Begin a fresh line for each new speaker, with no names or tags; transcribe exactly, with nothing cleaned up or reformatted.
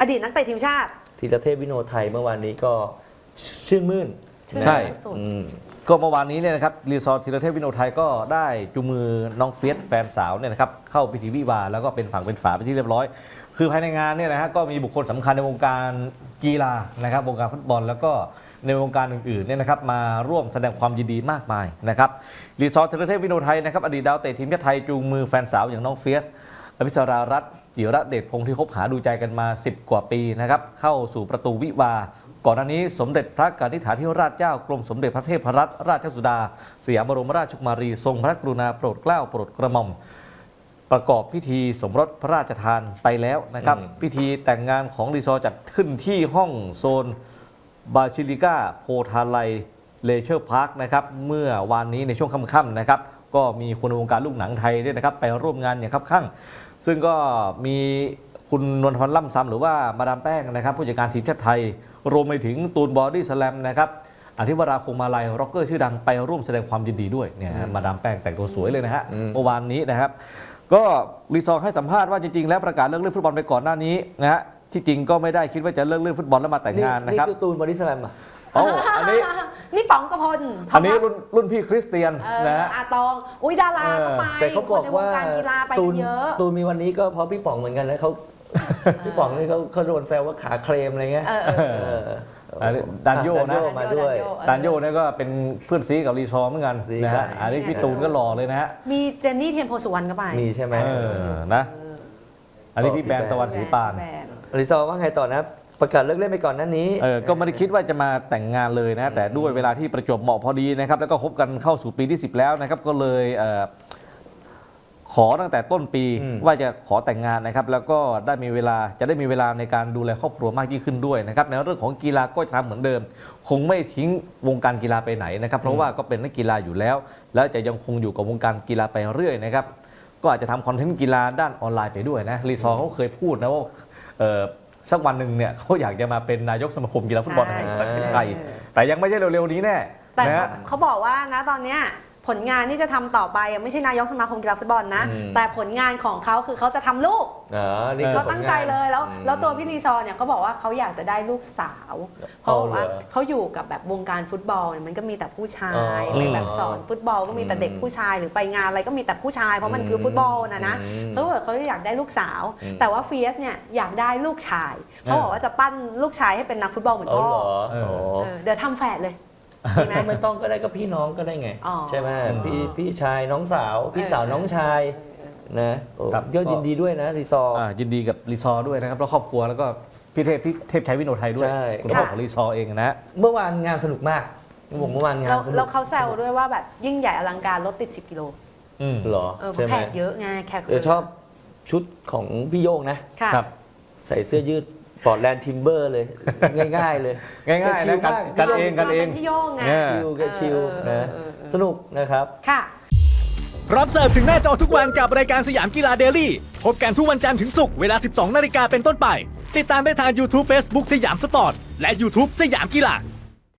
อดีตนักเตะทีมชาติ
ธีรเทพวิโนไทยเมื่อวานนี้ก็ชื่นมื่น
ใช่
อืม
ก็เมื่อวานนี้เนี่ยนะครับรีซอร์ธีรเทพวิโนไทยก็ได้จูงมือน้องเฟียสแฟนสาวเนี่ยนะครับเข้าพิธีวิวาห์แล้วก็เป็นฝั่งเป็นฝาไปที่เรียบร้อยคือภายในงานเนี่ยนะฮะก็มีบุคคลสำคัญในวงการกีฬานะครับวงการฟุตบอลแล้วก็ในวงการอื่นๆเนี่ยนะครับมาร่วมแสดงความยินดีมากมายนะครับรีซอร์ธีรเทพวิโนไทยนะครับอดีตดาวเตะทีมชาติไทยจูงมือแฟนสาวอย่างน้องเฟียสอภิสรารัตน์จิระเดชพงศ์ที่คบหาดูใจกันมาสิบกว่าปีนะครับเข้าสู่ประตูวิวาห์ก่อนหน้านี้สมเด็จพระกนิษฐาธิราชเจ้ากรมสมเด็จพระเทพรัตนราชสุดาสยามบรมราชกุมารีทรงพระกรุณาโปรดเกล้าโปรดกระหม่อมประกอบพิธีสมรสพระราชทานไปแล้วนะครับพิธีแต่งงานของรีซอร์จัดขึ้นที่ห้องโซนบาชิลิก้าโพธาไลเลเชอร์พาร์คนะครับเมื่อวานนี้ในช่วงค่ำๆนะครับก็มีคนในวงการลูกหนังไทยด้วยนะครับไปร่วมงานอย่างคับคั่งซึ่งก็มีคุณนวลพันธ์ล่ำซำหรือว่ามาดามแป้งนะครับผู้จัดการทีมชาติไทยรวมไปถึงตูนบอดี้สแลมนะครับอธิวราคงมาลัยร็อกเกอร์ชื่อดังไปร่วมแสดงความยินดีด้วยเนี่ยมาดามแป้งแต่งตัวสวยเลยนะฮะเมื่อวานนี้นะครับก็รีซอร์ให้สัมภาษณ์ว่าจริงๆแล้วประกาศเลิกเล่นฟุตบอลไปก่อนหน้านี้นะฮะที่จริงก็ไม่ได้คิดว่าจะเลิกเล่นฟุตบอลแล้วมาแต่งงานนะครับ
นี่คือตูนบอดี้สแลมอ่ะ
อ๋ออันนี้
นี่ป๋องกระพล
อันนี้รุ่นรุ่นพี่คริสเตียนนะฮะ
อาตองอุ้ยดาราก็ไป
แต่เขาบอกว่า
การกีฬาไปเยอะ
ตูนมีวันนี้ก็เพราะพี่ป๋องเหมือนกันนะเขาพี่ป๋องนี่เขาเขาโดนแซวว่าขาเคลมอะไรเงี้ยดันโยนะ
มาด้วยดันโยนี่ก็เป็นเพื่อนซีกับรีซอร์เหมือนกันนะฮะอันนี้พี่ตูนก็หล่อเลยนะฮะ
มีเจนนี่เทียนโพสุวรรณก็ไป
มีใช่ไหม
นะอันนี้พี่แบนตะวันศรีปาน
รีซอร์ว่าไงต่อนะประกาศเลิกเล่นไปก่อนหน้านี้
เออก็ไม่ได้คิดว่าจะมาแต่งงานเลยนะแต่ด้วยเวลาที่ประจวบเหมาะพอดีนะครับแล้วก็คบกันเข้าสู่ปีที่สิบแล้วนะครับก็เลยขอตั้งแต่ต้นปีว่าจะขอแต่งงานนะครับแล้วก็ได้มีเวลาจะได้มีเวลาในการดูแลครอบครัวมากยิ่งขึ้นด้วยนะครับในเรื่องของกีฬาก็จะทำเหมือนเดิมคงไม่ทิ้งวงการกีฬาไปไหนนะครับเพราะว่าก็เป็นนักกีฬาอยู่แล้วแล้วจะยังคงอยู่กับวงการกีฬาไปเรื่อยนะครับก็อาจจะทำคอนเทนต์กีฬาด้านออนไลน์ไปด้วยนะรีซอร์เขาเคยพูดนะว่าสักวันหนึ่งเนี่ยเขาอยากจะมาเป็นนายกสมาคมกีฬาฟุตบอลแห่งประเทศไทยแต่ยังไม่ใช่เร็วๆนี้แน่
แต่เขาบอกว่านะตอนเนี้ยผลงานที่จะทำต่อไปไม่ใช่นายกสมาคมกีฬาฟุตบอลนะแต่ผลงานของเขาคือเขาจะทำลูกเขาตั้งใจเลยแล้วแล้วตัวพี่รีซอร์เนี่ยเขาบอกว่าเขาอยากจะได้ลูกสาวเพราะว่าเขาอยู่กับแบบวงการฟุตบอลเนี่ยมันก็มีแต่ผู้ชายไปแบบสอนฟุตบอลก็มีแต่เด็กผู้ชายหรือไปงานอะไรก็มีแต่ผู้ชายเพราะมันคือฟุตบอลนะนะเขาบอกเขาอยากได้ลูกสาวแต่ว่าเฟียสเนี่ยอยากได้ลูกชายเขาบอกว่าจะปั้นลูกชายให้เป็นนักฟุตบอลเหมือนพ่อเดี๋ยวทำแฝดเลย
ไม่ต้องก็ได้ก็พี่น้องก็ได้ไงใช่ไหมพี่พี่ชายน้องสาวพี่สาวน้องชายนะก็ยินดีด้วยนะรีซอร์
ยินดีกับรีซอร์ด้วยนะครับแล้วครอบครัวแล้วก็พี่เทพพี่เทพชัยวิโนไทยด้วยคุณพ่อของรีซอร์เองนะ
เมื่อวานงานสนุกมากผมเมื่อวานงานสนุก
แล้วเขาแซวด้วยว่าแบบยิ่งใหญ่อลังการรถติดสิบกิโล
เหรอ
แขกเยอะไงแขก
ชอบชุดของพี่โย่งนะครับใส่เสื้อยืดปอร์ตแลนด์ทิมเบอร์เลยง่ายๆเลย
ง่ายๆนะกันเองกันเอง
ที่โย่งไง
ชิลก็ชิลนะสนุกนะครับ
ค่ะ
รับเสิร์ฟถึงหน้าจอทุกวันกับรายการสยามกีฬาเดลี่พบกันทุกวันจันทร์ถึงศุกร์เวลา สิบสองนาฬิกาเป็นต้นไปติดตามได้ทาง YouTube Facebook สยามสปอร์ตและ YouTube สยามกีฬา